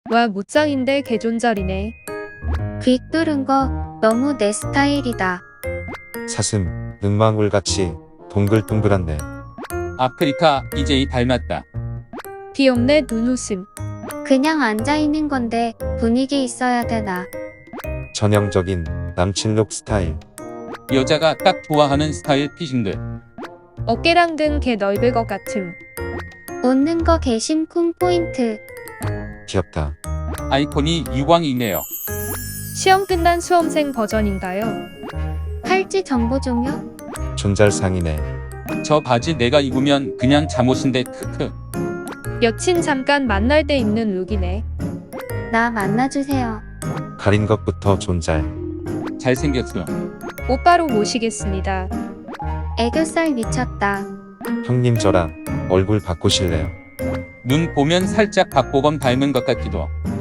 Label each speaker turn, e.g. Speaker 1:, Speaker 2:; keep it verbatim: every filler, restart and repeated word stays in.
Speaker 1: 와 무짱인데 개존잘이네.
Speaker 2: 귀 뚫은 거 너무 내 스타일이다.
Speaker 3: 사슴, 능망울같이 동글동글한데.
Speaker 4: 아프리카 이제이 닮았다.
Speaker 1: 귀엽네 눈웃음.
Speaker 2: 그냥 앉아있는 건데 분위기 있어야 되나.
Speaker 3: 전형적인 남친룩 스타일.
Speaker 4: 여자가 딱 좋아하는 스타일 피싱들.
Speaker 1: 어깨랑 등 개 넓을 것 같음.
Speaker 2: 웃는 거 개심쿵 포인트.
Speaker 3: 귀엽다.
Speaker 4: 아이콘이 유광이네요.
Speaker 1: 시험 끝난 수험생 버전인가요?
Speaker 2: 팔찌 정보 종료?
Speaker 3: 존잘상이네.
Speaker 4: 저 바지 내가 입으면 그냥 잠옷인데 크크.
Speaker 1: 여친 잠깐 만날 때 입는 룩이네.
Speaker 2: 나 만나주세요.
Speaker 3: 가린 것부터 존잘.
Speaker 4: 잘생겼어.
Speaker 1: 오빠로 모시겠습니다.
Speaker 2: 애교살 미쳤다.
Speaker 3: 형님 저랑 얼굴 바꾸실래요?
Speaker 4: 눈 보면 살짝 박보검 닮은 것 같기도.